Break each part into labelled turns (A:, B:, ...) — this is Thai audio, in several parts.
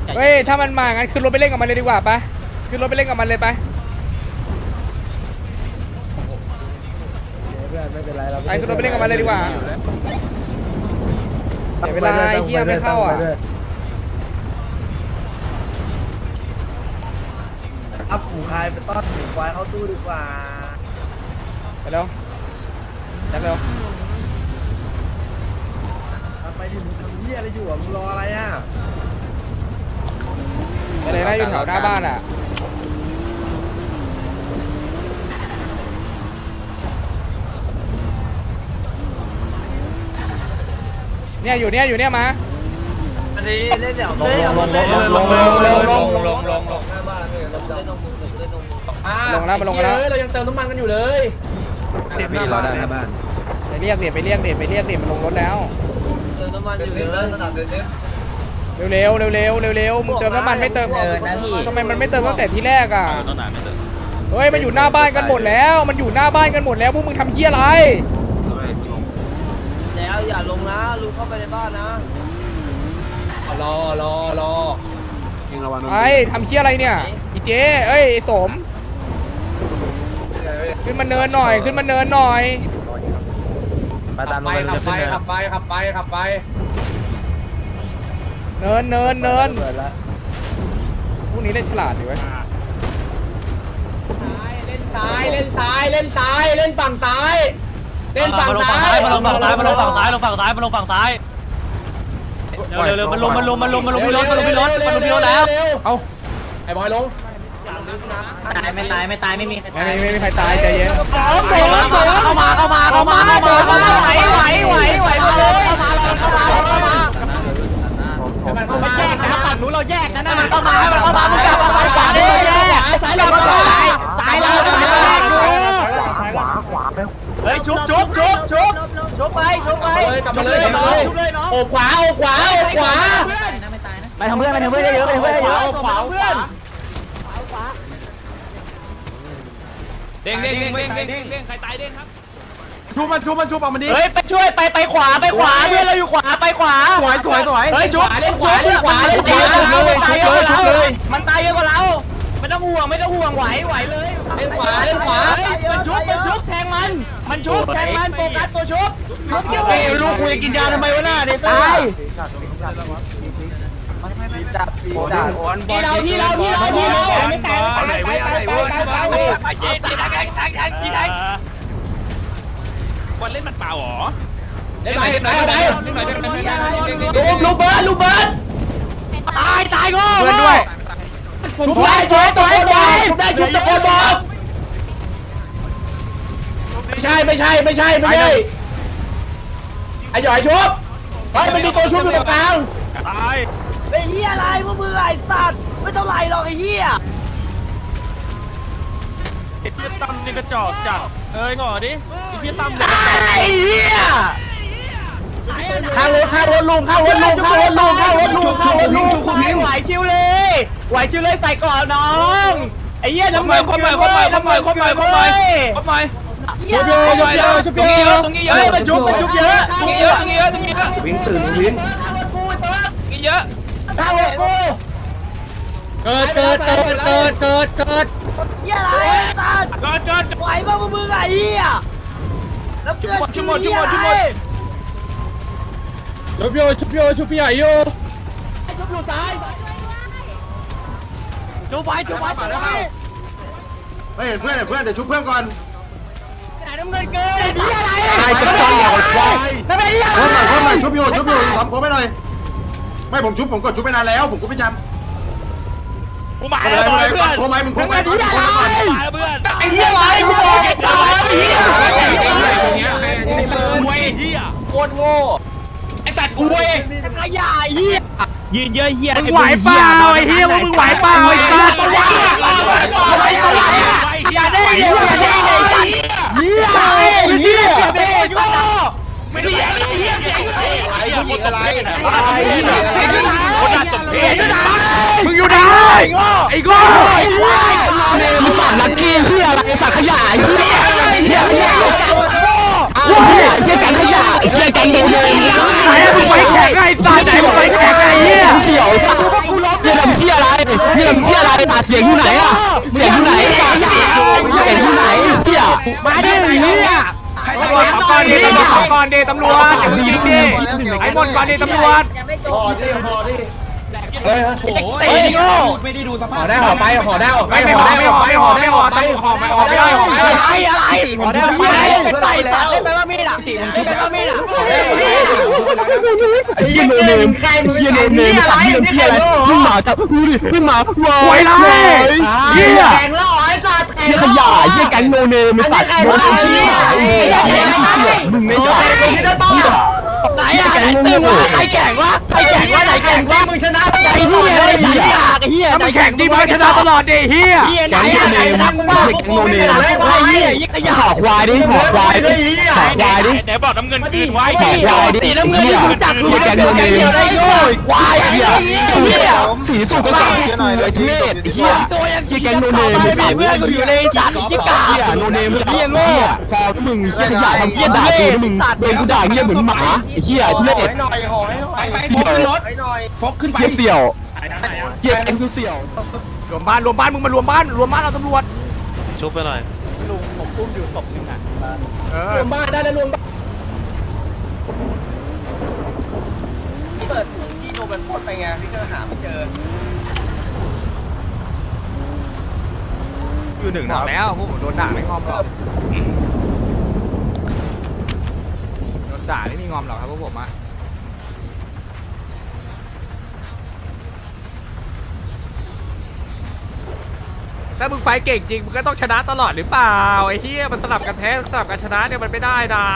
A: เฮ้ยถ้ามันมางั้นขึ้นรถไปเล่นกับมันเลยดีกว่าปะขึ้นรถไปเล่นกับมันเลยไปไปขึ้นรถไปเล่นกับมันเลยดีกว่าเสียเวลาไอ้เหี้ยไม่เข้าอ่ะ
B: อัพหูคายไปต้อนหูควายเข้าตู้ดีกว่า
A: ไปเร็วจักเร็ว
B: ทำไมดิมึงทำเหี้ยอะไรอยู่อ่ะมึงรออะไรอ่ะ
A: ไปเลยนะอยู่แถวหน้าบ้านอ่ะเนี่ยอยู่เนี่ยมา
B: อันนี้เล่นเดี๋ยวลง
A: แล้วมาลงแล้ว
B: เรายังเติมน้ำมันกันอยู่เลยเดี๋ยวรอได้หน้าบ้าน
A: ไปเรียกมันลงรถแล้ว
B: เติมน้ำมันอยู่เลย
A: เร็วมึงเติมน้ำมันไม่เติมทำไมมันไม่เติมตั้งแต่ที่แรกอ่ะเฮ้ยมันอยู่หน้าบ้านกันหมดแล้วพวกมึงทำเหี้ยอะไร
B: แล้วอย่าลงนะลุงเข้าไปในบ้านนะรอ
A: ไอ้ทำเหี้ยอะไรเนี่ยอีเจเอ้ยสมขึ้นมาเนินหน่อย
B: ไปตามลงขับไป
A: เนินพวกนี้เล่นฉลาดอยู่เว้ย
B: เล่นซ้ายเล่นฝั่งซ้าย
C: มาลงฝั่งซ้ายมาลงฝั่งซ้ายเร็วมันลงพี่รถแล้ว
A: เอา
B: ไอ้บอยลง
C: ไม่ตายไม่มี
A: ใครตายใจเย็น
C: เข้ามาไหวมาเลยไม่แยกนะฝั่งนู้นเราแยกนะมันเข้ามามึงกลับมาขวาดิซ้ายเราเฮ้ยชุบไป
B: กลับมาเลยโอ้ขวา
C: ไปทำเพื่อนเยอะขวาเพื่อนเด้งใครตายเด้งครับ
B: ชูมันเอามันดิ
C: เฮ้ยไปช่วยไปขวาเพื่อนเราอยู่ขวาไปขวา
B: สวย
C: เฮ้ยชุบ
B: เล่นขวา
C: มันตายเยอะกว่าเราไม่ต้องห่วงไหวเลย
B: เล่นขวา
C: มันชุบแทงมันชุบแทงมันโฟกัสตัวชุบ
B: ลูกคุยกินยาทำไมวะหน้าเด็กตายที่เราไม่ตาย
C: วันเล่นมันเปล่าหรอ
B: เล่นไหนลูกเบิร์ด
C: ตายก็
A: เพื่อนด้วย
B: ชุบได้ชุบตะโกนบอกไม่ใช่ไอ้หยอยชุบเฮ้ยมันมีตัวชุบอยู่ตรงกลาง
C: ตาย
B: ไอ้เหี้ยอะไรพวกมึงไอ้สัตว์ไม่เท่าไรหรอกไอ้เหี้ย
C: ไอ้เพี้ยตั้มนี่กระจอกจัดงอดิไอ้เพี้ยตั้ม
B: ไอ้เหี้ยข้าวรถลุง
C: ไหวชิวเลยใส่ก่อนน้องไอ้เหี้ยน้ำเงินคบหน่อยชุบเยอะมันชุบเยอะ
B: ตรงนี้เยอะ
C: วิ่งตื่นวิ่งเยอะ
B: ข้าวรถกู
A: เกิด
B: เหี้ยอะไรสัตว์ไหวบ้างมึงไอ้เหี้ยแล้วเกิด
C: ชุบหมด
A: ชุบพี่ใหญ่อยู่
B: ซ้าย
C: ชุบไป
B: เฮ้ยเพื่อนเดี๋ยวชุบเพื่อนก่อน
C: น้ำเงินเกิน
B: ตายจะต้องอย่าควาย
C: ไม่เป็นไร
B: โค้งหน่อยชุบอยู่ทำโค้งไปหน่อยไม่ผมชุบไปนานแล้วผมก็ไม่จำ
C: กูมาแล้วเพื่อน
B: โค้งไปมึงโค้งไปก่อน
C: เพื่อน
B: ไอ้เหี้ยอะไรกูบอกไอ้ตายไอ้เหี้ย
C: โคตรโง่ไอ้สัตว์กูเองขยะเหี้ยยืนเยอะเหี้ย
A: มึงไหวเปล่าไอ้เหี้ยมึงไหวเปล่าไอ้สัตว์
C: อย่าได้เหี้ยไม่ได้เหี้ยอะไรคนน่าสนใจ
A: มึงอยู่ไหนไอ้โง่
B: มึงฝันลักกี้เหี้ยอะไรฝันขยะเหี้ยกันขยะเหี้ยกันโดนเลย
A: ไหนมึงไฟแข็งไอ้สัตว์ไหนมึงไฟแข็งไอ้เหี้ย
B: เสี่ยวสัตว์เหี้ย
A: อนดิตำรวจก่อนดิตำรวจอย่าเพิ่งยิงดิให้หมดก่อนดิตำรวจ
B: พอดิพอดิ
C: เฮ้ยไอ้โง่ไม่ได้ดูสภาพห่อได้ห่อไปห่อได้ห่อไป
A: ไม่
C: ห่อ
A: ห่อ
C: ได้
A: ไม่
C: ห่
A: ห่
C: อ
A: อ
C: ไป
A: ไม่
C: ห่
A: ห่
C: อ
A: อ
C: ได้
A: ไม่
C: ห่
A: ห่
C: อ
A: อ
C: ไป
A: ห่อไม่ห่อ
C: ห่อ
A: ไม่
C: ได้
A: ห่อ
C: อะไรห่อได้ไปไต่ตัดเล่นไปว่ามีดอ่ะตีมันชุบไปว่ามีดอ่ะไอ้เหี้ยโนเนมใครมึงเหี้ยโนเนมอะไรนี่ใครมึงหมาจับดูดิมึงหมา
A: หวยไรเหี้ย
C: แข่งล่อไอ้สัตว์
D: เหี้ยขยะเหี้ยแก๊งโนเนมไอ้สัตว์โนเนมชี้หายมึงไม่ใช่
C: ไหนอ่ะตึงวะใครแข่งวะใครแข่งวะไหนแข่งวะมึงชนะไอ้เหี้ยไอ้เหี้ยไอ้เหี้ย
A: ถ้ามึงแข่งจริงมึงชนะตลอดดิเฮีย
C: ไหนอ่ะไหนมึงบ้าพวกมึงไม่ได้ไอ้เหี้ยยิ่งขยะ
D: ห่อควายดิห่อควายดิห่อควายดิ
E: ไหนบอกน้ำเงินคืนไว้
C: สีน้ำเงินรู้จักรู้จักเดียวได้โง่ควายไอ้เหี้ย
D: สีสุกก็จับกูไอ้ทุเรศไอ้เหี้ย
C: ตัวยัง
D: เหี้ยแก๊งโนเนม
C: ไอ้
D: ไอ้สัตว์
C: เพื่อนกูอยู่ในสัตว์ยิ่งกา
D: เหี้ยโนเนมจับเหี้ยฟอร์มึงเหี้ยขยะทำเหี้ยด่ากูนะมึงโดนกูด่าเหี้ยเหมือนหมาไอ้เหี้ยทุเรศ
C: หน่อยห่อให้หน่อย
D: เสี่ยวเหี้ยเสี่ยวเหี้ยแก๊งคือเสี่ยว
A: รวมบ้านมึงมารวมบ้านเราตำรวจ
E: ชุบไปหน่อย
C: ลุงผมอุ้มอยู่ศพนึงอ่ะ
A: เออ
C: รวมบ้านได้แล้วรวมบ้านพี่เปิดถุงที่โนเป็นโพสไปไงพี่ก็หาไม่เจอ
A: อยู่หนึ่งบอกแล้วพวกผมโดนด่าไม่งอมหรอกโดนด่าไม่มีงอมหรอกครับพวกผมอะถ้ามึงไฟเก่งจริงมึงก็ต้องชนะตลอดหรือเปล่าไอ้เหี้ยมันสลับกันแพ้สลับกันชนะเนี่ยมันไม่ได้นะ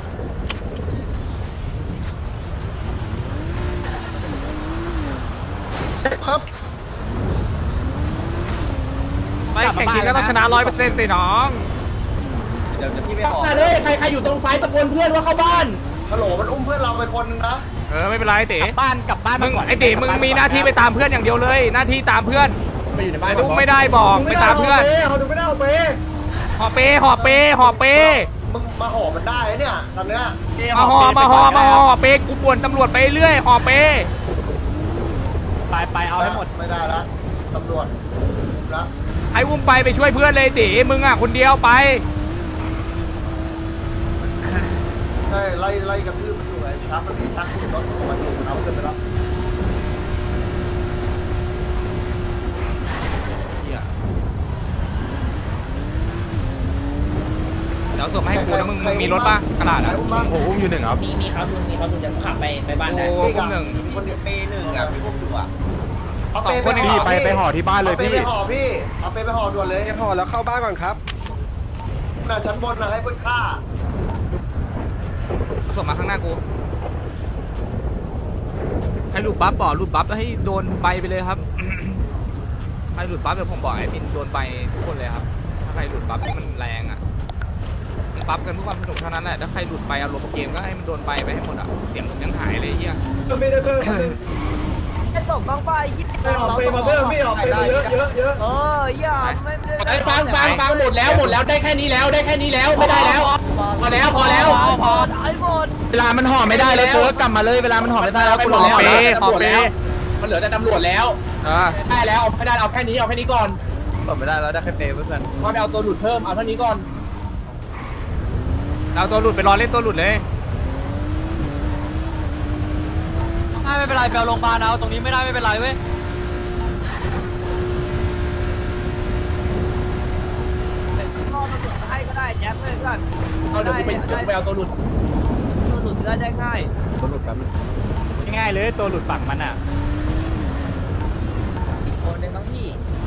A: ไปแข่งจริงก็ต้องชนะ100%สิน้อง
C: เดี๋ยวพี่ไปขอเลยใครอยู่ตรงไฟตะโกนเพื่อนว่าเข้าบ้าน
B: ฮัลโหลมันอุ้มเพื่อนเราไปคนนึงนะ
A: เออไม่เป็นไรเต๋
C: กลับบ้าน
A: มึงไอ้เต๋มึงมีหน้าที่ไปตามเพื่อนอย่างเดียวเลย หน้าที่ตามเพื่อน
C: ไปอยู่ในบ้าน
A: แต่ลูกไม่ได้บอกไปตามเพื่อน
C: เขาดูไม่ได้เอาไป
A: ห่อเปห่อเป
B: มึงมาห่อมันได้เนี่ยตอนเนี้ย
A: มาห่อเปกูป่วนตำรวจไปเรื่อยห่อเป
C: ไปเอาให้หมด
B: ไม่ได้ละตำรวจละ
A: ไอ้วุ้มไปช่วยเพื่อนเลยเต๋มึงอ่ะคนเดียวไป
B: ใช่ไล่กระทืบมันอยู่ไอ้ชักมันมีชักรถมันอยู่เอาขึ้นไปแล้ว
A: เดี๋ยวส่งมาให้กูนะมึงมีรถป่ะกระดาษอ่ะ
D: โอ้อุ้มอยู่หนึ่งครับ
C: มีครับลุงจะขับไปบ้านได้
A: โอ้พวกหนึ่ง
B: คนเดียว
C: เปหนึ่งอ่ะพี่พวกดูอ่ะ
B: เอาเปไปห่อไปห่อที่บ้านเลยพี่เอาเปไปห่อด่วนเลยห่อแล้วเข้าบ้านก่อนครับน่ะชั้นบนนะให้เพื่อนฆ่า
A: ส่งมาข้างหน้ากูให้หลุดบัฟบอกหลุดบัฟแล้วให้โดนใบไปเลยครับ ใครหลุดบัฟเดี๋ยวผมบอกไอ้บินโดนใบทุกคนเลยครับถ้าใครหลุดบัฟที่มันแรงอ่ะมันบัฟกันเพื่อความสนุกเท่านั้นแหละถ้าใครหลุดไปเอารมณ์เกมก็ให้มันโดนใบไปให้หมดอ่ะเสียงผมยังหายเลยเฮีย
C: ไม่ได้เพิ่ม
F: จะส่งบ้างป่ะยี่สิบ
C: ออกไปมาเพิ่มพี่ออกไปมาเยอะ
F: อย่าไม่ได้
C: ไอ้ฟังหมดแล้วได้แค่นี้แล้วไม่ได้แล้วพอแล้ว
F: พอได้หมด
D: เวลามันห่อไม่ได้แล้วเซิร์ฟกลับมาเลยเวลามันห่อไม่ได้แล้วกูรอ
A: ห่อเป
C: มันเหลือแต่ตำรวจแล้ว ได้แล้วเอาไม่ได้เอาแค่นี้ก่อน
D: ไม่ได้แล้วได้แค่เปย์เพื่อน
C: พอไปเอาตัวหลุดเพิ่มเอาเท่านี้ก่อน
A: เราตัวหลุดไปรอเล่นตัวหลุดเลย
F: ไม่เป็นไรไปเอาโรงพยาบาลเอาตรงนี้ไม่ได้ไม่เป็นไรเว้ยก็ตำรวจให้ก็ได้แจ็คเลยก็
C: เอาเดี๋ยวกูไปเอาตัวหลุด
F: ตัวหลุดก็ได้ง่าย
C: ตัวหลุดแป๊บนึง
E: ง่ายเลยตัวหลุดฝั่งมันอ่ะ
F: อีกคนหนึ่งต้องพี่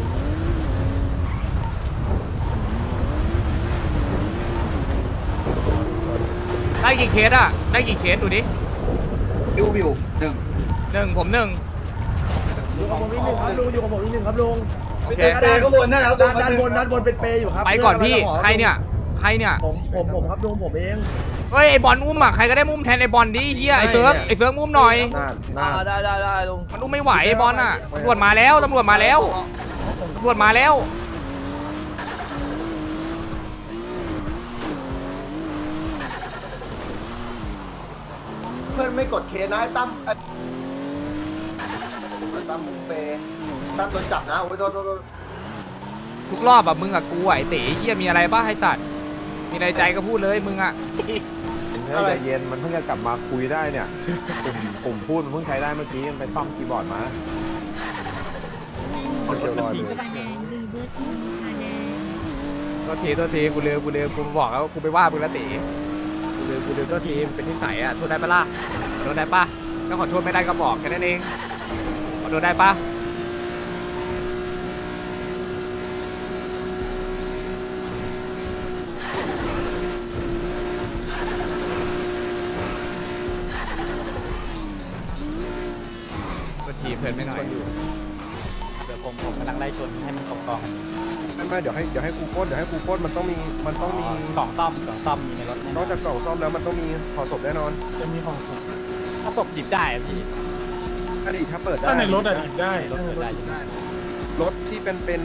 A: ได้กี่เคสอ่ะได้กี่เคสดูดิ
B: ดูวิวหนึ่ง
A: หนึ่งผมหนึ่ง
G: อยู่กับผมอีกหนึ่งครับลุงอยู่กับผมอีกหนึ่งครับลุง
A: โอเค
G: ด้านบนนะครับด้านบนเป็นเปย์อยู่ครับ
A: ไปก่อนพี่ใครเนี่ย
G: ผมครับลุงผมเอง
A: เฮ้ยไอบอลอุ้มอ่ะใครก็ได้อุ้มแทนไอบอลดิเฮียไอเซิร์ฟอุ้มหน่อย
G: น่า
F: ได้ลุง
A: มันอุ้มไม่ไหวไอบอลอ่ะตำรวจมาแล้วตำรวจมาแล้ว
B: เพื่อนไม่กดเคนะให้ตั้มตั้มเปตั้มโดนจับนะโอ้ยโทษ
A: ทุกรอบอ่ะมึงอ่ะกูไหวเต๋เฮียมีอะไรบ้าให้สัตว์มีอะไรใจก็พูดเลยมึงอ่ะ
B: อะไร
H: ใจเย็นมันเพิ่งจะกลับมาคุยได้เนี่ยปุ่มพูดมันเพิ่งใช้ได้เมื่อกี้มันไปซ่อมคีย์บอร์ดมาคนเดียวรอเลย
A: โทษทีกูลืมกูบอกแล้วกูไปว่ามึงแล้วตีกูลืมโทษทีมันเป็นนิสัยอ่ะโทษได้ปะล่ะขอโทษได้ปะถ้าขอโทษไม่ได้ก็บอกแค่นั้นเองขอโทษได้ปะโทษทีเพื่อนไม่หน่อย
C: เดี๋ยวผมกำลังไล่ชนให้มันกองกัน
B: ไม่เดี๋ยวให้กูโค้ดมันต้องมี
C: กล่องซ่อมมีในรถ
B: นอกจากกล่องซ่อมแล้วมันต้องมีห่อศพแน่นอน
G: จะมีของสด
C: ถ้าศพหยิบได้อะพี่
B: อดีตถ้าเปิดได้
G: ถ้าในรถอะหยิบได้
C: รถเปิดได้อยู่
B: รถที่เป็น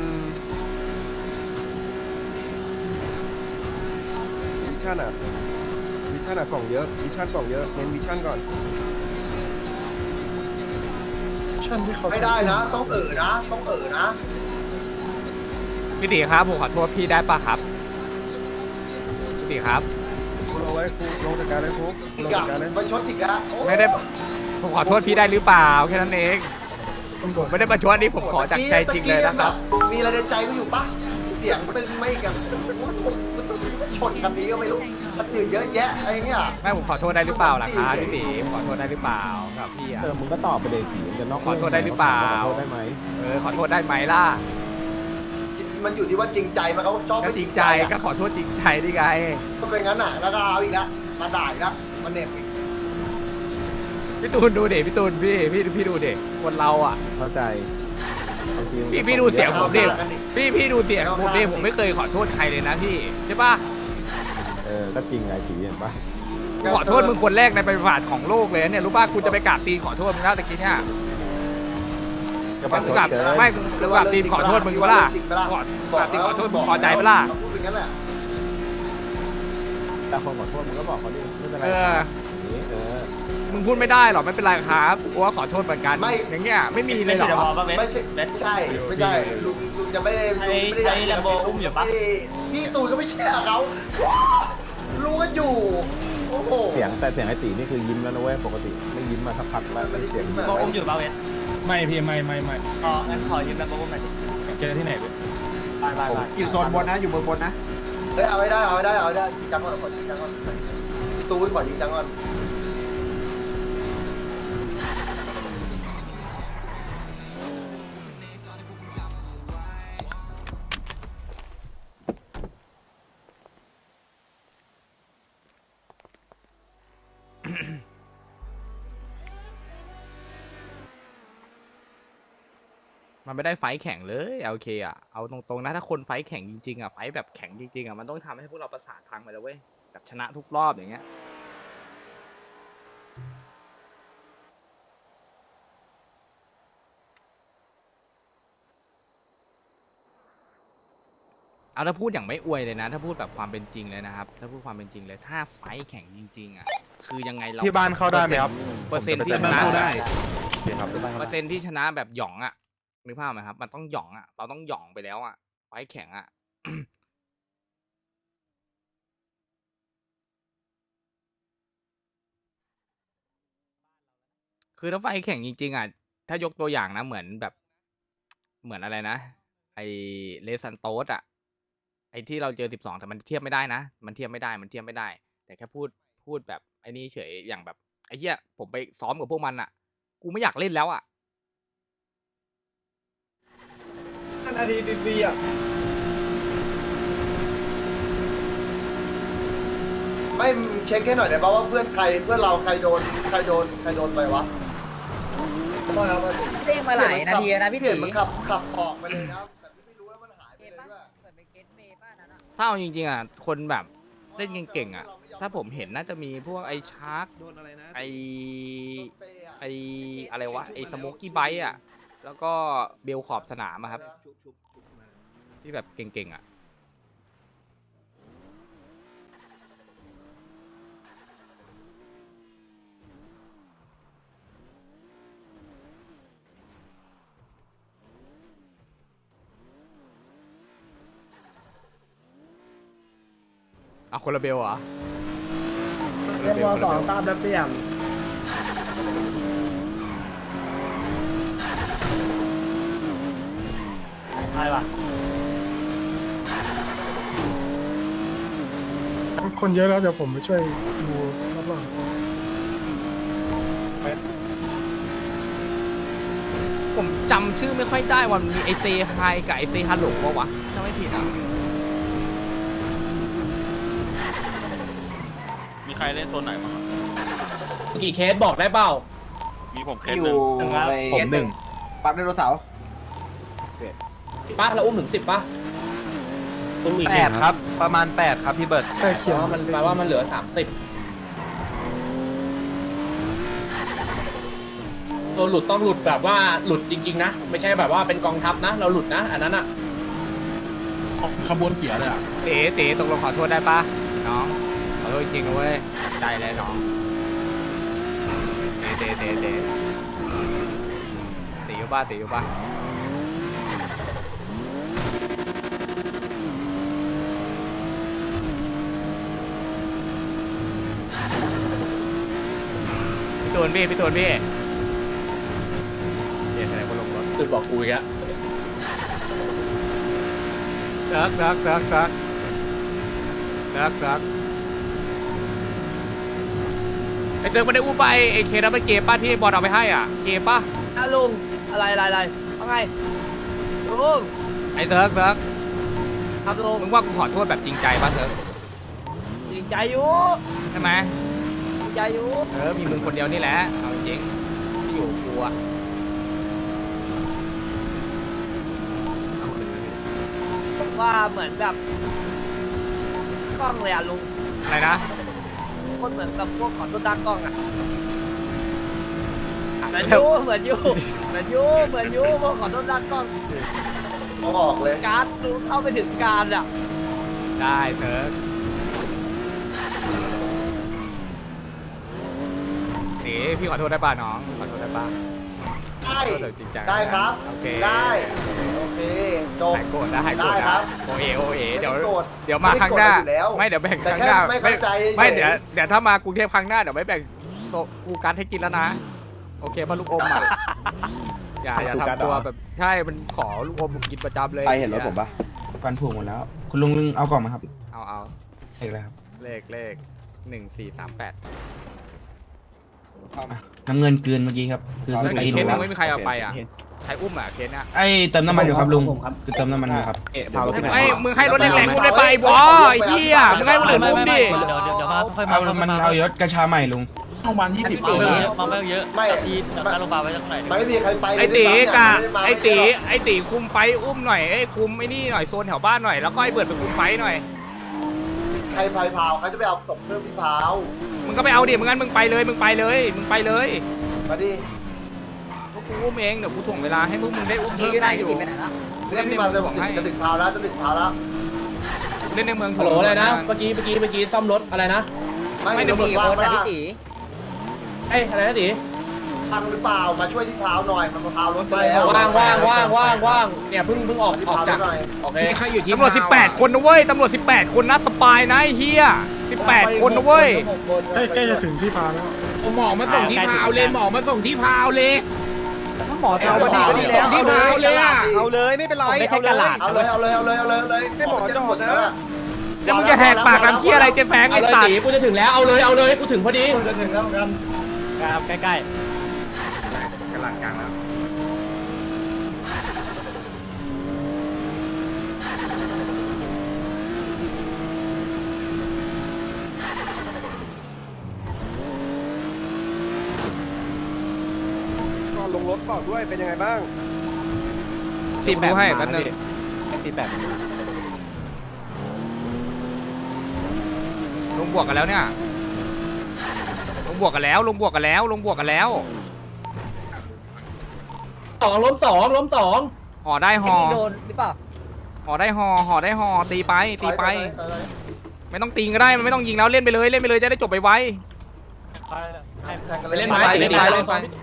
B: วิชั่นอะกล่องเยอะเน้นวิชั่นก่อน
G: ชั่นที่เขา
B: ไม่ได้นะต้องนะ
A: พี่ตีครับผมขอโทษพี่ได้ปะครับพี่ตีครับ
B: กูลงไว้กูลงจากการเลยกูลงจากการเลยไปชดอีกแล้ว
A: ไม่ได้ผมขอโทษพี่ได้หรือเปล่าแค่นั้นเองผมไม่ได้ประชดนี่ผมขอจากใจจริงเลยนะครับ
B: มีอะไรในใจกูอยู่ปะเสียงตึงไม่กันชนกันนี้ก็ไม่รู้มันอื่นเยอะแยะอะไรเงี้ย
A: ไม่ผมขอโทษได้หรือเปล่าล่ะครับพี่ตีผมขอโทษได้หรือเปล่าครับพี่อะ
H: มึงก็ตอบไปเลยสิจะนอก
A: ขอโทษได้หรือเปล่า
H: ขอโทษได้ไหม
A: ขอโทษได้ไหมล่ะ
B: มันอยู่ที่ว่าจริงใจมันเขาชอบ
A: ก็จริงใจก็ขอโทษจริงใจดิไง
B: ก็เป็นงั้นอ่ะแล้วก็เอาอีกแล้วมาด่าอีกแล้วมาเน็บอีก
A: พี่ตูนดูเด็พี่ตูนพี่ดูเด็คนเราอ่ะ
H: เข้าใจบางทีมันก็
A: พี่ดูเสียงผมดิ
B: เอาหน้ากันดิ
A: พี่ดูเสียงผมดิผมไม่เคยขอโทษใครเลยนะพี่ใช่ปะ
H: ก็จริงไงสีเห็นปะ
A: กูขอโทษมึงคนแรกในประวัติของโลกเลยเนี่ยรู้ป่ะกูจะไปกราบตีนขอโทษมึงแล้วตะกี้เนี่ย
H: ก็
A: กูกราบไม่กูกราบตีนขอโทษมึงก็ล่ะกราบตีนขอโทษมึงพอใจปะล่ะ
B: พูดอย่างนั้นแหละ
H: แต่คนขอโทษมึงก็บอกเขาดิไม่เป็นไร
A: มึงพูดไม่ได้หรอกไม่เป็นไรครับกูว่าขอโทษเหมือนกันอย่างเงี้ยไม่มีเลยหรอ
B: ไม่ใช่ลุงจะไม่ได้พี่ตูนก็ไม่เชื่อเขารู้กันอยู่โอ้โห
H: เสียงไอ้ตีนี่คือยิ้มแล้วนะเว้ยปกติไม่ยิ้มมาสักพักแล้วเสียง
F: โบอุ้มอยู่ป่าวเวส
G: ไม่พี่ไม่
F: อ๋องั้นขอยืมแล้วโบอุ้มหน่อยดิ
G: เจอที่ไหนเลย
F: ไป
B: อยู่โซนบนนะอยู่บนนะเฮ้ยเอาไม่ได้จริงจังก่อนจริงจังก่อนตูนก่อนจริงจังก่อน
A: มันไม่ได้ไฟท์แข่งเลยโอเคอ่ะเอาตรงๆนะถ้าคนไฟท์แข่งจริงๆอ่ะไฟท์แบบแข่งจริงๆอ่ะมันต้องทำให้พวกเราประสาทพังไปแล้วเว้ยแบบชนะทุกรอบอย่างเงี้ยเอาถ้าพูดอย่างไม่อวยเลยนะ ถ้าพูดแบบความเป็นจริงเลยนะครับถ้าพูดความเป็นจริงเลยถ้าไฟท์แข่งจริงๆอ่ะคือยังไงเรา
E: ที่บ้านเข้าได้ไหมครับ
A: เปอร์เซ็นต์ที่ชนะ
H: ครับ
A: เปอร์เซ็นต์ที่ชนะแบบหย่องอ่ะนึกภาพไหมครับมันต้องหย่องอ่ะเราต้องหย่องไปแล้วอ่ะไฟท์แข่งอ่ะ คือถ้าไฟแข่งจริงๆอ่ะถ้ายกตัวอย่างนะเหมือนแบบเหมือนอะไรนะไอเลซันโตสอ่ะไอที่เราเจอ12แต่มันเทียบไม่ได้นะมันเทียบไม่ได้แต่แค่พูดแบบไอ้นี่เฉยอย่างแบบไอ้เหี้ยผมไปซ้อมกับพวกมันอ่ะกูไม่อยากเล่นแล้วอ่ะ
G: นาทีฟรีอ่ะ
B: ไม่เช็คแค่หน่อยได้ป่าว่าเพื่อนเราใครโดนไปวะ
F: เด้งมาหลายนาทีนะพี่
B: เห็
F: ตี
B: นมันขับออกไปเลยนะแต่ไม่รู้แล้วมันหายไปเลยด้วย
F: เหมือนเป็นเคสเมย์ป้านั้นอ่ะ
A: ถ้าเอาจริงๆอ่ะคนแบบเล่นเก่งๆอ่ะถ้าผมเห็นน่าจะมีพวกไอชาร์กไออะไรวะไอสโมกกี้ไบต์อ่ะแล้วก็เบลขอบสนามอะครับที่แบบเก่งๆอ่ะ เอาคนละเบลเหรอคน
G: เรียกวอสองตามแล้วเปลี่ยน
C: ใช่ป่ะ
G: คนเยอะแล้วเดี๋ยวผมไปช่วยดูรอบ
A: ผมจำชื่อไม่ค่อยได้ว่ามันมีไอเซไฮกับไอเซฮัลโหลปะวะถ้าไม่ผิดอ่ะ
E: มีใครเล่นโซนไหนบ้างอะ
C: กี่เคสบอกได้เปล่า
E: มีผมเคสหนึ่ง
C: ผมหนึ่ง
B: ปั๊บไดโนเสาร์
C: ป้าเราอุ้มถึง10ป่ะอุ้มอีก
F: 8ครับประมาณ8ครับพี่เบิร์ด
G: ๆใกล้เคียง
C: มันแปลว่ามันเหลือ30ตัวหลุดต้องหลุดแบบว่าหลุดจริงๆนะไม่ใช่แบบว่าเป็นกองทัพนะ เราหลุดนะอันนั้นอ่ะ
D: ขบวนเสียเลยอ่ะ
A: เต๋ตกลงขอโทษได้ปะน้องขอโทษจริงๆนะเว้ยใจเลยน้องเต๋อยู่ป่ะพี่ตูนพี่เดี๋ยวแสดงว่าลงรถ
C: ตื่นบอกกูอีกแล้ว
A: ซักไอเซิร์ฟมันได้อู้ไปไอเคนั้นมันเกมป้าที่บอลเอาไปให้อ่ะเกมป้า
F: ลุงอะไรว่าไงลุง
A: ไอเซิร์ฟ
F: ครับลุง
A: มึงว่ากูขอโทษแบบจริงใจป่ะเซิร์ฟ
F: จริงใจอยู่
A: ใช่ไหม
F: จริงใจอยู่
A: มีมึงคนเดียวนี่แหละเอาจริงที่อยู่กูอะ
F: ว่าเหมือนแบบกล้องเลยอ่ะลุง
A: อะไรนะ
F: คนเหมือนกับพวกขอตัวตากล้องอ่ะเหมือน
A: เดี๋ยว
F: ยูพวกขอตัวตากล้อง
B: เอาออกเลย
F: การ์ดลุงเข้าไปถึงการอ่ะ
A: ได้เซิร์ฟพี่ขอโทษได้ป่ะน้องขอโทษได้ป่ะ
B: ได้
A: ขอโทษแบบจริงใจ
B: ได้ครับ
A: โอเค
B: ได้โอเคจบ
A: หายโกรธนะ
B: ได้ครับ
A: โอเอเดี๋ยว
B: ไม่โกรธ
A: เดี๋ยวมาครั้งหน้า
B: ไม่ได้โกรธอยู่แล้ว
A: ไม่เดี๋ยวแบ่ง
B: แต่
A: ครั้ง
B: แค่
A: หน้า
B: ไม่เข้าใจ
A: ไม่
B: เฉย
A: เดี๋ยวถ้ามากรุงเทพครั้งหน้าเดี๋ยวไม่แบ่งฟูกัสให้กินแล้วนะโอเคป่ะลูกอมอ่ะอย่าทำตัวแบบใช่มันขอลูกอมกินประจำเลย
D: ไปเห็นรถผมปะฟันผุหมดแล้ว คุณลุงเอากล่องมาครับ
A: เอา
D: เอกเลยครับ
A: เลข1438
D: น้ำเงินเกินเมื่อกี้ครับคือ
A: แล้ว
D: ส
A: อี
D: ตี
A: กเคสหนึง
D: น
A: ไม่มีใครเอาไปอ่ะใครอุ้มอ่ะเคสเนี้ย
D: ไอ้เติมน้ำมันอยู่ครับลุงคือเติมน้ำมันอยู่ครับ
A: ไอ้มึงให้รถแรงๆอุ้มได้ไปบอไอ้เหี้ยมึงให้คนอื่นอุ้มดิ
F: เดี๋ยวมาค่อย
D: เอามันเอารถกระชาใหม่ลุง
F: มาไม่เยอะ
B: ไม่
F: ทีการโรงพยาบาลไว้ตรงไหน
B: ไม่มีใครไป
A: ไอ้ตี
B: เลย
A: กะ
B: ไม่ได้มา
A: ไอ้ตีคุมไฟอุ้มหน่อยไอ้คุมไอ้นี่หน่อยโซนแถวบ้านหน่อยแล้วก็ไอ้เบิร์ดไปคุมไฟหน่อย
B: ใครพายพาวเขาจะไปเอาศพเพิ่มที่พาว
A: มึงก็ไปเอาดิมึงงั้นมึงไปเลย
B: มาดิ
A: พวกกูอุ้มเองเดี๋ยวกูถ่วงเวลาให้พวกมึงได้อุ้มเพิ่มได้อยู่
B: เรียกพี่มาเลยผมจะถึงพาวแล้ว
A: เล่นในเมือง
C: ฮัลโหลอะไรนะเมื่อกี้ซ่อมรถอะไรนะ
B: ไม่เดี๋ยวว่างนะ
C: เอ้ยอะไรนะตี
B: พังหรือเปล่ามาช่วยที่พาวหน่อยมันพาวรถไปแล้ว
C: ว่างเนี่ยเพิ่งออก
B: ที่
C: ออก
B: พาว
C: จาก
B: หน่อย
C: โอเค
A: ตำรวจ18 คนนะเว้ยตำรวจ18 คนนะสปายนะไอ้เฮีย18 คนนะเว้ย
G: ใกล้จะถึงที่พาแล้ว
D: หมอมาส่งที่พาวเลยหมอมาส่งที่พาวเลย
F: หมอเอาก็ดีแล้ว
D: ที่พาวเลยอ่ะ
F: เอาเลยไม่เป็นไรเอาเลย
B: เอาเลยให้หมอจอดนะ
A: แล้วมึงจะแหกปากทำเฮียอะไรเจ๊แฟง
C: เอา
A: ไอ้
C: เลย
A: สัต
C: ตี
A: ว์
C: กูจะถึงแล้วเอาเลยกูถึงพอดี
B: จะถึงแล้วกัน
F: ครับใกล้
A: กำลังกลางแล้ว
B: ก่อนลงรถก่อนด้วยเป็นยังไงบ้าง
A: ตีแปให้แป๊บนึง
F: 48
A: ลงบวกกันแล้วเนี่ยลงบวกกันแล้ว
C: ล้มสอง
A: ห่อได้ห่อ
F: โดนหรือเปล่า
A: ห่อได้ห่อตีไปไม่ต้องตีก็ได้มันไม่ต้องยิงแล้วเล่นไปเลยจะได้จบไปไว
C: ไปเล่นไม้ตีเลย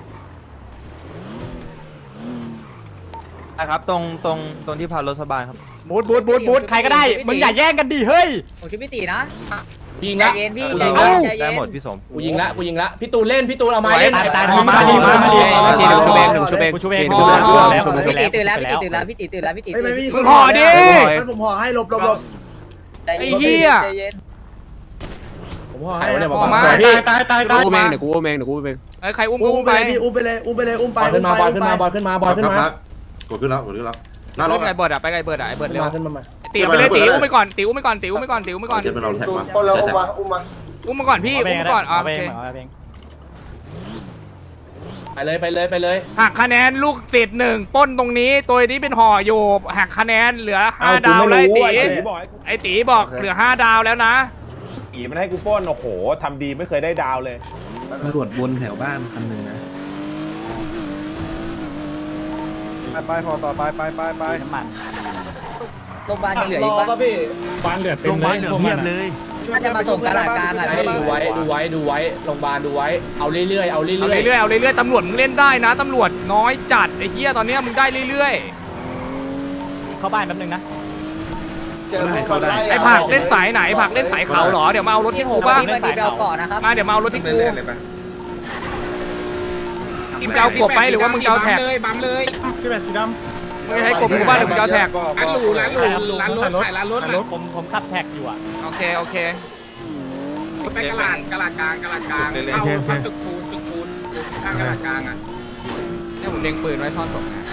F: ครับตรงที่พารถสบายครับ
E: บูทใครก็ได้มึงอย่าแย่งกันดิเฮ้ย
F: ผมชื่อพี่ตีนะ
C: ยิง
F: ใจ
C: ละ
F: เย็นพี่
C: กู
F: ใจ
C: ยิง
F: เย็
C: ละ
F: นใจเย็น
C: กูยิงละพี่ตูนเล่นพี่ตูนเอาไม้เล่น
A: ตาย
C: มาดิ
A: ชีเดี๋ยวชูเบงเดี๋ยวชูเบง
C: กูชูเอง
F: พี่ตีตื่นแล้วพี่ตีตื่นแล้วพี่ตีตื่นแล้วพี่ตี
G: ไม่
F: ตื่น
G: ไม่
A: มึงห่อดิ
G: ผมห่อให้หลบ
F: ใจเย็น
A: ไอ้เหี้ย
F: ใจเย็น
G: ผมห่อให้
A: ห่อมา
C: ตาย
D: กูเองเดี๋ยวกูเอง
A: ไอ้ใครอุ้ม
G: อุ้
A: อุ้
G: ม
A: ม
G: ไป
A: ไป
G: พี่อุ้มไปเลยอุ้มไปเลยอุ้มไป
C: ขึ้นมาบอลขึ้นมาบอลขึ้นมาบอลขึ้นมา
I: กดขึ้นแล้วกดขึ้นแล้วหน้าร
A: ร
I: ถ
A: ถไก่เบิร์ดอะไปไก่เบิร์ดอะไอ้เบิร์ดเร็ว
C: ขึ้นมา
A: ตีไปเลยตีอุ้มไปก่อนตีอุ้มไปก่อนตีอุ้มไปก่อนตีอุ้มไปก่อน
I: เจ็บเป็นเราแท็กมา
B: คนเราอุ้มมาอุ้มมา
A: อุ้มมาก่อนพี่อุ้มมาก่อนโอเค
C: ไปเลย
A: หักคะแนนลูกศิษย์หนึ่งปล้นตรงนี้ตัวนี้เป็นห่ออยู่หักคะแนนเหลือ5 ดาวแล้วไอ้ตีบอกเหลือ5 ดาวแล้วนะ
H: อีมันให้กูป้นโอ้โหทำดีไม่เคยได้ดาวเลย
G: ตำรวจวนแถวบ้านคันหนึ่งนะ
H: ไปพอต่อไปน้ำมัน
F: โรงพยาบาลยังเหลืออีกปะ
C: บ้านเหลือเต็มเลยเพียบเลย
F: น่าจะมาส่งกระดาษกลางอ่ะพี่
C: ดูไว้โรงพยาบาลดูไว้เอาเรื่อย
A: เอาเรื่อยๆตำรวจมึงเล่นได้นะตำรวจน้อยจัดไอ้เหี้ยตอนเนี้ยมึงได้เรื่อย
C: เข้าบ้านแป๊บนึงนะ
B: เจอพวกคนไล่
A: ๆไอ้ผักเล่นสายไหนผักเล่นสายเขาเหรอเดี๋ยวมาเอารถ
F: พี่
A: ที่
F: โห
A: กู
F: มา
A: บ้าง
F: พี่มาดีเราก่อนนะครับ
A: มาเดี๋ยวมาเอารถที่กูมึงจะเอากบไปหรือว่ามึงจะเอาแท็ก
C: พี่แบบสีด
A: มึงจะให้กบกูบ้างหรือมึงจะเอาแท็ก
C: ร้านรถขายร้านรถผมขับแท็กอยู่อ่ะ
A: โอเค
C: เ
A: ไป
C: ลย
A: เนี่ยผมเล็งปืนไว้ซ่อนศพนะ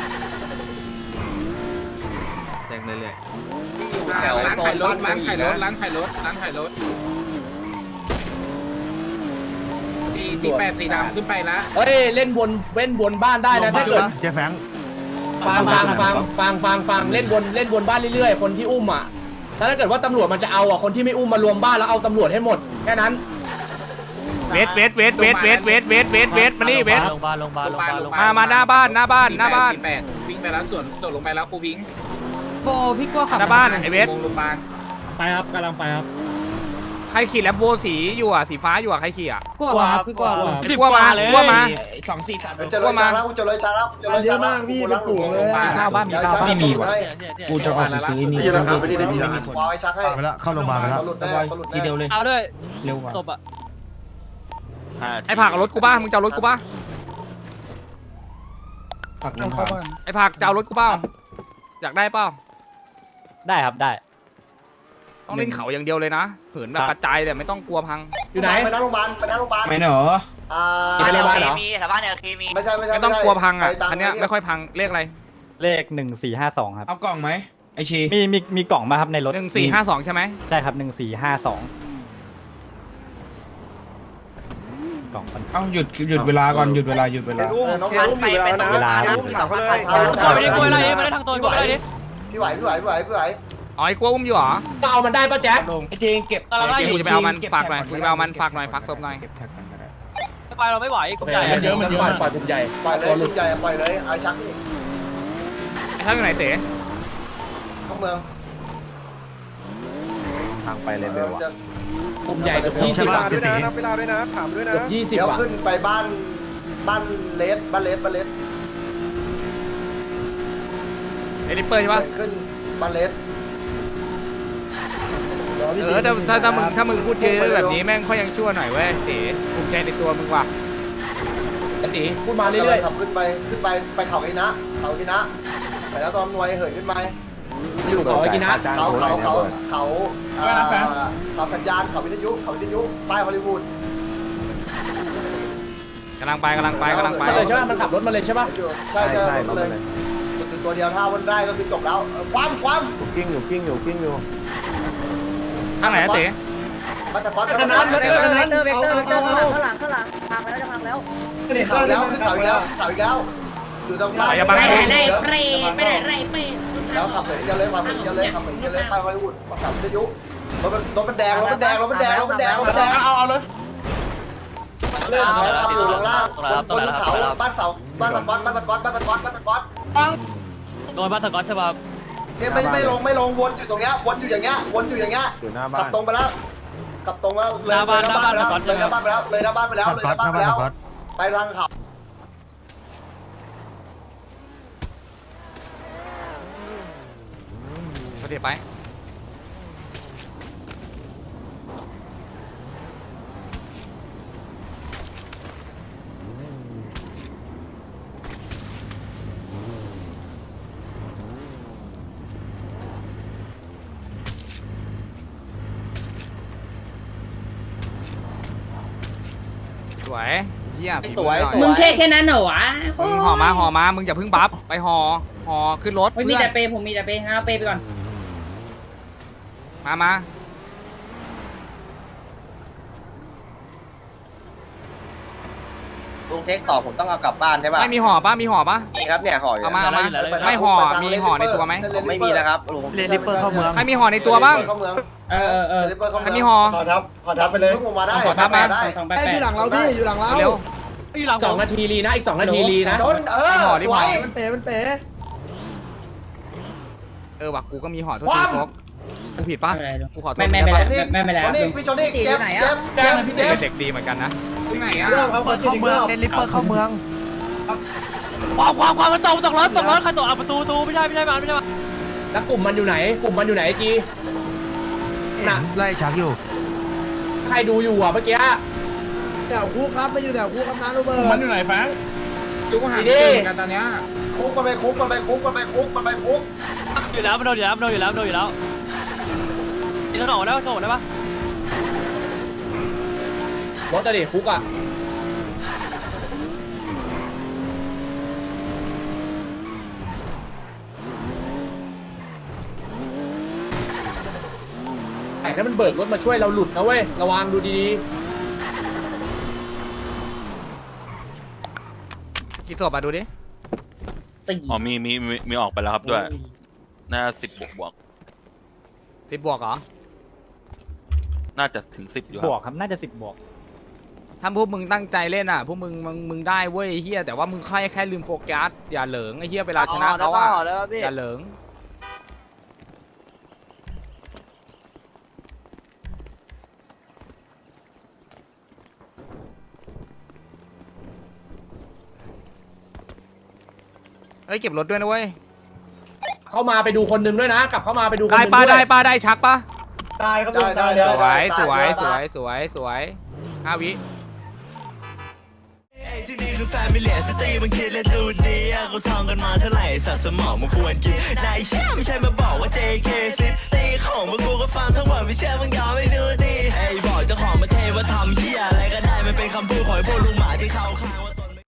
A: เล็งเรื่อย
F: ร้านขายรถ
A: ร้านขายรถร้านขายรถสีดำขึ้นไปแล้ว
C: เฮ้ยเล่นวนบ้านได้นะถ้าเกิด
G: เจ๊แฟง
C: ฟังเล่นวนบ้านเรื่อยๆคนที่อุ้มอ่ะถ้าเกิดว่าตำรวจมันจะเอาอ่ะคนที่ไม่อุ้มมารวมบ้านแล้วเอาตำรวจให้หมดแค่นั้น
A: เวทมานี่เวทมาหน้าบ้านวิ่งไปแล้วส่วนลงไปแล้วครูวิ่ง
F: โบพี่ก็ขับ
A: หน้าบ้านไอเวท
C: ไปครับกำลังไปครับ
A: ใครขี่แลมโบสีอยู่อ่ะสีฟ้าอยู่อ่ะใครขี่อ่ะ
F: กลัวครับพี่กลัว
A: ไอ้กลัวมา
B: เจอเลยช้างแล้วเจอเลย
G: เยอะมากพี่เป็นฝูงเลย
C: ข้าวบ้านมีข้าวบ้านไม่มีว่ะ
G: กูจะออกไปซื้อนี่
I: นี่นะครับไม่ได้ในที่ร้าน
B: วางไอ้ชักให้
G: ไปแล้วเข้าโรงพยาบาลไปแล้ว
B: หลุดแน่หลุดแน่
C: ทีเดียวเลย
A: เอาด้วย
C: เร็วกว่า
A: ศพอ่ะไอ้ผักเอารถกูบ้ามึงจะเอารถกูบ้า
G: ผักน้ำเข้าบ้าน
A: ไอ้ผักจะเอารถกูเปล่าอยากได้เปล่า
C: ได้ครับได้
A: ต้องเล่นเขาอย่างเดียวเลยนะเหินแบบกระจายเลยไม่ต้องกลัวพัง
C: อยู่ไหน
B: ไปนั่งโรงพยาบาล
G: ไม่เหนอ
C: ไปโรงพยาบาลเหรอ
B: ไม่ใช่
A: ไม่ต้องกลัวพังอ่ะคันเนี้ยไม่ค่อยพังเลขอะไร
C: เลข1452ครับ
G: เอากล่องไหมไอชี
C: มีกล่องมาครับในรถ
A: 1452ใช่ไหม
C: ใช่ครับ1452กล่อง
G: เอาหยุดเวลาก่อนหยุดเวลา
B: น้องอุ้มอยู่แล้วนะ
C: เวลา
A: ไม่ได้กลัวอะไรไม่ได้ทางตัวกลัวอะไรดิ
B: พี่ไหว
A: อ๋อไอ้กลัวอุ้มอยู่เหรอ
C: ก็เอามันได้ป่ะแจ๊ค
G: ไอเจงเก็บ
A: กูจะไปเอามันฝากหน่อยกูจะไปเอามันฝากหน่อยฝากศพหน่อย
G: เก็บแท็กกันก็ได้
A: ไปเราไม่ไหวกลุ่มใหญ่
C: มันเยอะปล่อยกลุ่มใหญ่
B: ปล่อยเลยใหญ่ปล่อยเลยไอ้ชักนี่
A: ไอ้ท่านอยู่ไหนเต๋
B: เข้าเมือง
H: ทางไปเลยเบลวะ
C: กลุ่มใหญ่เกือบ20อ่ะ
H: ด้วยนะนับเวลาด้วยนะถามด้วยนะ
C: เกือบ
B: เดี๋ยว
C: 20อ่ะ
B: ขึ้นไปบ้านเลส
A: ไอ้ริปเปอร์ใช่ปะ
B: ขึ้นบ้านเลส
A: ถ้ามึงพูดเยอะแบบนี้แม่งค่อยยังชั่วหน่อยเว้ยเต๋ภูมิใจในตัวมึงว่ะ
C: ตีพูดมาเรื่อย
B: ขับขึ้นไปเขาไอ้นะไปแล้วตอนนวยเหินขึ้นไป
C: ๆอยู่กับไอ้กินะ
B: เขาสัญญาณเขาวิทยุป้ายฮอลลีวูด
A: กำลังไป
C: เลยใช่ป่ะมันขับรถมาเลยใช่ป่ะ
B: ใช่เลยตัวเดียวถ้าวันได้ก็คือจบแล้วความ
H: กิ้งอยู่
A: ทางไหนเต๋
B: มาจากก้อน
F: เวกเตอร์ข้างหลังพังไปแล้วจะพังแล้ว
B: ขึ้นเขาแล้วอยู่ตรงบ้านแล้วขับไปเดียวเลยไปฮอลลีวูดขับวิทยุรถมันแดงเอาเลยเริ่มขับอยู่ลงล่างบนเขาบ้านตะก๊อต
A: โดนบ้านสกอตใช่ป่ะ
B: เนี่ยไม่ลงวนอยู่ตรงเนี้ยวนอยู่อย่างเงี้ย
H: อยู่หน้าบ้าน
B: กลับตรงไปแล้วเลยหน้าบ้านไปแล้วไปทางเขา
A: เดี๋ยวไปวยเฮียผี
B: สวย
A: หน่อ
F: มึงแค่นั้นเหรอวะ
A: มึงห่อมามึงอย่าเพิ่งบัฟไปห่อขึ้นรถ
F: ไม่มีแต่เปย์ผมมีแต่เปย์งั้นเอาเปย์ไปก่อน
A: มา
B: ลุงเทคต่อผมต้องเอากลับบ้านใช่ป่ะ
A: ไม่มีห่อปะมีห่อปะ
B: มีครับเนี่ยห่ออยู่
A: เอามาไม่ห่อมีห่อในตัวไหม
B: ไม่มีนะครับลุง
G: เรนลิปเปอร์เข้าเมือง
A: ใครมีห่อในตัวบ้าง ใครมีห่อ
B: ขอทับไปเลยผมมาได้
A: ขอทับมา
F: 2 8
G: ไอ้อยู่หลังเราพี่อยู่หลังเรา
A: เร็ว
C: อยู่หลัง2 นาทีรีนะอีก2 นาทีรีนะ
B: ชนสวย
G: มันเตะมันเตะ
A: ว่ะกูก็มีห่อโทษทีโฟกกูผิดปะกูขอโทษ
F: ไม่แล้ว
B: ชนอีกพี่ชนอีกเจ็บ
A: เป็นเด็กดีเหมือนกันนะ
B: เริ่มครับเข้าเมือง
G: เรนลิปเปอร์เข้าเมือง
C: ความมันตกรถใครตกประตูไม่ใช่มาแล้วกลุ่มมันอยู่ไหนจีน่ะ
G: ไล่ชักอยู่
C: ใครดูอยู่อ่ะเมื่อกี้
G: แถวคุกครับไม่อยู่แถวคุกครับน้าโรเบิร์ต
C: มันอยู่ไหนแฟง
A: จุกหางกันตอนเนี้ย
B: คุกมันไปคุก
C: อยู่แล้วมันโดนอยู่แล้วนี่ถนนได้ปะรถจะดิคุกอ่ะแต่ถ้ามันเบิกรถมาช่วยเราหลุดนะเว้ยระวังดูดี
A: กี่ศพดูดิ
E: อ๋อมีออกไปแล้วครับด้วยน่า10 บวก
A: 10 บวกเหรอ
E: น่าจะถึง10อยู่ครับ
C: บวกครับน่าจะ10 บวก
A: ถ้าพวกมึงตั้งใจเล่นอ่ะพวกมึงได้เว้ยเฮียแต่ว่ามึงแค่ลืมโฟกัสอย่าเหลิงไอ้เฮียเวลาชนะเขาอ่ะอย่าเหลิงเฮ้ยเก็บรถด้วยนะเว้ย
C: เข้ามาไปดูคนหนึ่งด้วยนะกลับเข้ามาไปดูคนห
A: ได้
C: นึ่ง
A: ปะ
C: ด้วย
A: ได้ชักปะ
B: ได้ครับได้
A: สวย5 วิ
J: ที่นี่คือแฟมิเลียสตรีมันคิดและดูดีเขาท่องกันมาเท่าไหร่สัตว์สมองมันควรกินนายเชื่อไม่ใช่มาบอกว่า JK ซิตีของพวกกูก็ฟังทั้งหมดไม่เชื่อมึงยอมไม่ดูดีไอ้บอกเจ้าของมาเทว่าทำเหี้ยอะไรก็ได้มันเป็นคำพูดของพวกลุงหมาที่เขาข้าง